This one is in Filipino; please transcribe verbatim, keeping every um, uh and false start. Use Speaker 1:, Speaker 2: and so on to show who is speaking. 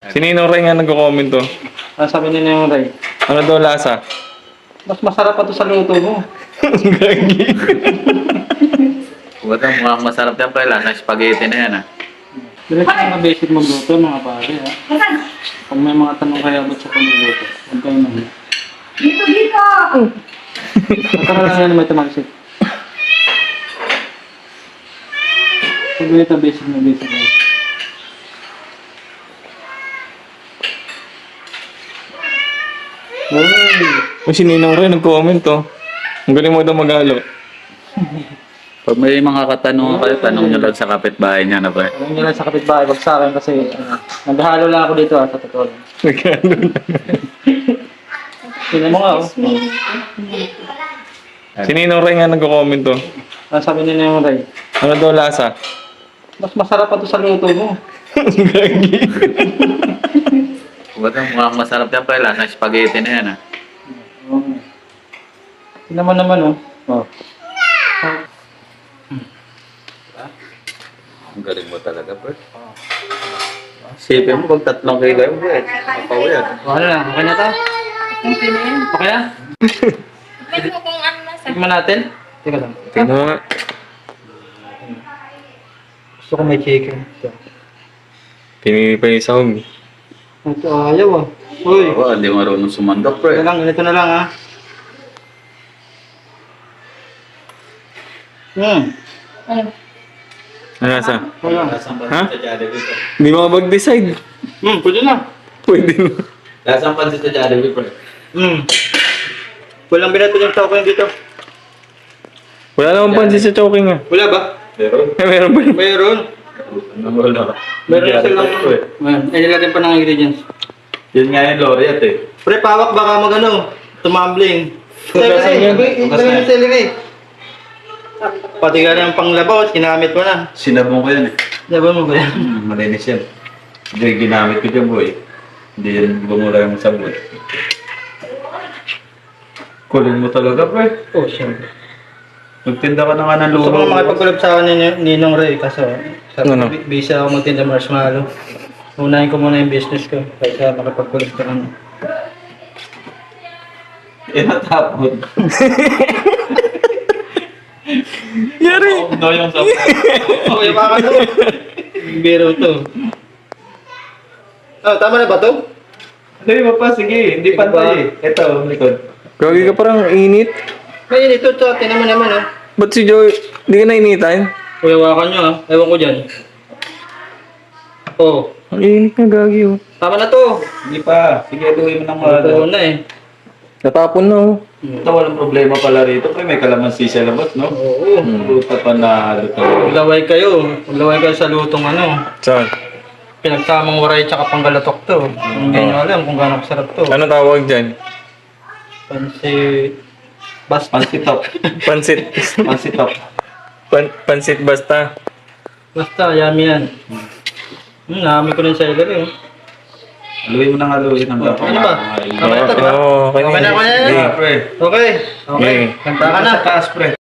Speaker 1: Si Ninong Ray nga nagko-comment to.
Speaker 2: Ano sabi ni Ninong Ray?
Speaker 1: Ano daw lasa?
Speaker 2: Mas masarap pa to sa luto mo.
Speaker 1: Gagi.
Speaker 3: Huwag ang mukhang masarap yan pa. Lasa spaghetti na yan ah.
Speaker 2: Direct mga basic magluto mga pare ha. Kung may mga tanong kayo about sa pagluluto, huwag kayo naman.
Speaker 4: Dito, dito!
Speaker 2: Magkaroon lang yan may tumagsik. Pagluluto basic na basic na.
Speaker 1: O si Ninong Ray nag-comment to. Ang galing mo daw mag-alo.
Speaker 3: Pag may mga katanungan kayo, tanong nyo lang sa kapitbahay niya na ba?
Speaker 2: Alam nyo lang sa kapitbahay, wag sa akin kasi ano, naghahalo lang ako dito ha, sa totoo lang.
Speaker 1: Nag-alo lang.
Speaker 2: Tingnan mo nga oh.
Speaker 1: Si Ninong Ray nga nagko-comment to.
Speaker 2: Ano sabi ni Ninong Ray?
Speaker 1: Ano daw lasa?
Speaker 2: Mas masarap pa to sa luto mo.
Speaker 1: Gagi.
Speaker 3: Huwag ang mukhang masarap yan pa. Lasa spaghetti na yan ah.
Speaker 2: Okay. Tingnan mo naman oh. Oh.
Speaker 3: Ang galing mo talaga, bro. Sipin mo, pag tatlong kilo yung bro. Mapawid.
Speaker 2: Oh, ano na? Okay na to?
Speaker 4: Okay na yun.
Speaker 2: Okay na?
Speaker 4: Tignan mo kung ano nasa.
Speaker 2: Tignan natin. Teka lang.
Speaker 1: Tingnan mo nga.
Speaker 2: Gusto ko may chicken. Ito.
Speaker 1: Pinili pa yung sahog.
Speaker 2: Ito ayaw ah. Uy.
Speaker 3: Oo, hindi marunong sumandok, bro.
Speaker 2: Ito lang, ganito na lang ah. Hmm.
Speaker 4: Ano?
Speaker 1: Ano lasa?
Speaker 2: Wala.
Speaker 1: Ha? Hindi makapag-decide.
Speaker 2: Hmm, pwede na.
Speaker 1: Pwede na.
Speaker 3: Lasang pansit sa Jollibee, bro.
Speaker 2: Hmm. Walang binato yung tao ko dito.
Speaker 1: Wala namang pansin sa choking ah.
Speaker 2: Wala ba?
Speaker 3: Pero,
Speaker 1: Eh, meron ba?
Speaker 2: Mayroon.
Speaker 3: ano wala.
Speaker 2: Meron na silang... Ayan, ay nilagyan pa ng ingredients.
Speaker 3: Yun nga yung laureate eh.
Speaker 2: Pre, pawak baka mag ano, tumambling.
Speaker 1: Tugasan yan.
Speaker 2: Celery, ilagay yung celery. Pati ka ng panglabaw, ginamit mo na.
Speaker 3: Sinabong ko yan eh.
Speaker 2: Diba mo ba yan?
Speaker 3: Hmm, malinis yan. Hindi, ginamit ko dyan, boy. Hindi yan bumura yung sabon. Kulin mo talaga, pre.
Speaker 2: Oh, syempre.
Speaker 3: Magtinda ka na nga ng
Speaker 2: Gusto ko
Speaker 3: luho.
Speaker 2: makipag-collab sa akin ni Ninong Ray, kaso sabi
Speaker 1: Ano?
Speaker 2: ko, busy ako magtinda marshmallow. Unahin ko muna yung business ko, kaysa makipag-collab ka kami.
Speaker 3: Eh, natapon.
Speaker 1: Yari!
Speaker 3: No, yung sabon.
Speaker 2: Okay, baka to. Biro to. Oh, tama na ba to?
Speaker 3: Hindi mo pa, sige. Hindi
Speaker 2: Sige
Speaker 3: pantay eh. Ito, likod.
Speaker 1: Gagi ka parang init.
Speaker 2: Ngayon ito, to, tinan mo naman oh.
Speaker 1: Ba't si Joy, di ka nainitan?
Speaker 2: Kuya, wakan nyo ah. Ewan ko dyan. Oh,
Speaker 1: Ang init na gagi oh.
Speaker 2: tama na to.
Speaker 3: Hindi pa. Sige, luhin mo ng mga
Speaker 2: Ito na eh.
Speaker 1: Natapon na oh.
Speaker 3: Ito, walang problema pala rito. Pre, may kalamansi sa labas, no?
Speaker 2: Oo.
Speaker 3: Luta pa na luto.
Speaker 2: Maglaway kayo. Maglaway kayo sa lutong ano.
Speaker 1: Saan?
Speaker 2: Pinagsamang waray tsaka panggalatok to. Hindi nyo alam kung gaano kasarap to.
Speaker 1: Ano tawag dyan?
Speaker 2: Pansit... Basta.
Speaker 3: Pansitop.
Speaker 1: Pansit.
Speaker 3: Pansitop.
Speaker 1: Pan pansit basta.
Speaker 2: Basta, yummy yan. Hmm, naamoy ko rin sa celery. Oh.
Speaker 3: Haluin mo ng haluin hanggang
Speaker 2: Ano ba?
Speaker 3: kumakain.
Speaker 2: Okay na to, di ba?
Speaker 1: Oo, okay na
Speaker 2: Okay na,
Speaker 1: yun.
Speaker 2: okay na.
Speaker 1: Sige.
Speaker 3: Pre.
Speaker 2: Okay. Okay.
Speaker 1: Okay.
Speaker 2: Kanta ka na.
Speaker 3: Sa taas, pre.